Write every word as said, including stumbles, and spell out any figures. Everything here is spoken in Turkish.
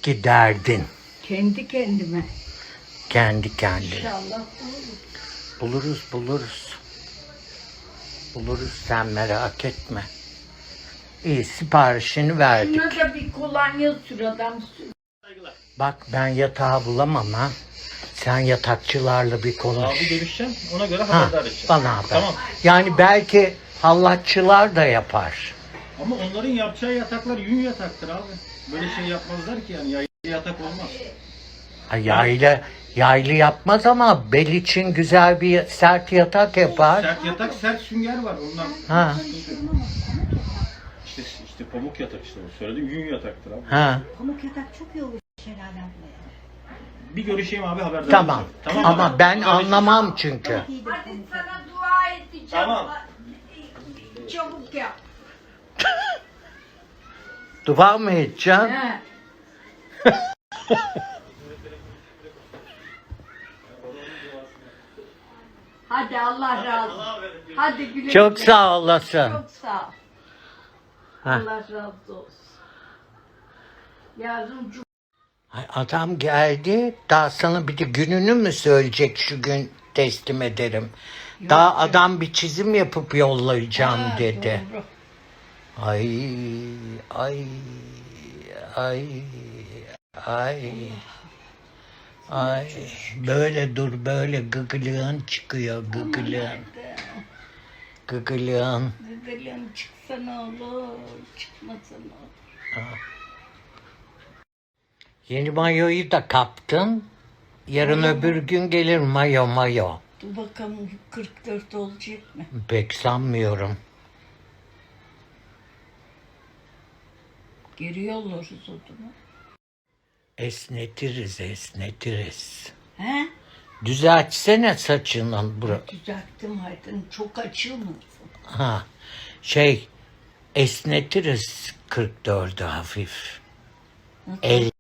ki derdin? Kendi kendime. Kendi kendine. İnşallah olur. Buluruz buluruz. Buluruz, sen merak etme. İyi, siparişini verdik. Şuna da bir kolonya sür adam sür. Bak ben yatağı bulamam ha. Sen yatakçılarla bir konuş. Abi görüşeceğim. Ona göre Ha, haberdar edeceğim. bana haber. Tamam. Yani belki hallatçılar da yapar. Ama onların yapacağı yataklar yün yataktır abi. Böyle şey yapmazlar ki yani yaylı yatak olmaz. Ha, yaylı, yaylı yapmaz ama bel için güzel bir sert yatak yapar. Sert yatak, sert sünger var ondan. Ha. İşte işte pamuk yatak işte o. Söyledim yün yataktır abi. Ha. Pamuk yatak çok iyi olur Şelale ablaya. Bir görüşeyim abi haberdar Tamam. edeceğim. Tamam Ama abi. ben Haberleşelim. anlamam çünkü. Çok iyidir Hadi pamuk sana yatak. dua edeceğim. Tamam. Çabuk yap. Dua mı edeceksin? He. Hadi Allah razı olsun. Hadi güle Çok güle. sağ olasın. Çok sağ ol. Ha. Allah razı olsun. Yarın cum- Ay, adam geldi. Daha sana bir de gününü mü söyleyecek, şu gün teslim ederim. Daha adam bir çizim yapıp yollayacağım Ha, dedi. doğru. Ay ay ay ay ay böyle dur, böyle gıgılığın çıkıyor, gıgılığın gıgılığın. Gıgılın çıksa ne olur, çıkmasa ne olur. Yeni mayoyu da kaptın. Yarın öbür gün gelir mayo mayo. Dur bakalım kırk dört olacak mı? Pek sanmıyorum. Geri yollarız o zaman. Esnetiriz, esnetiriz. He? Düzeltsene saçının bura. Düzelttim Aydın. Çok açılmasın. Ha, şey, esnetiriz kırk dördü hafif. El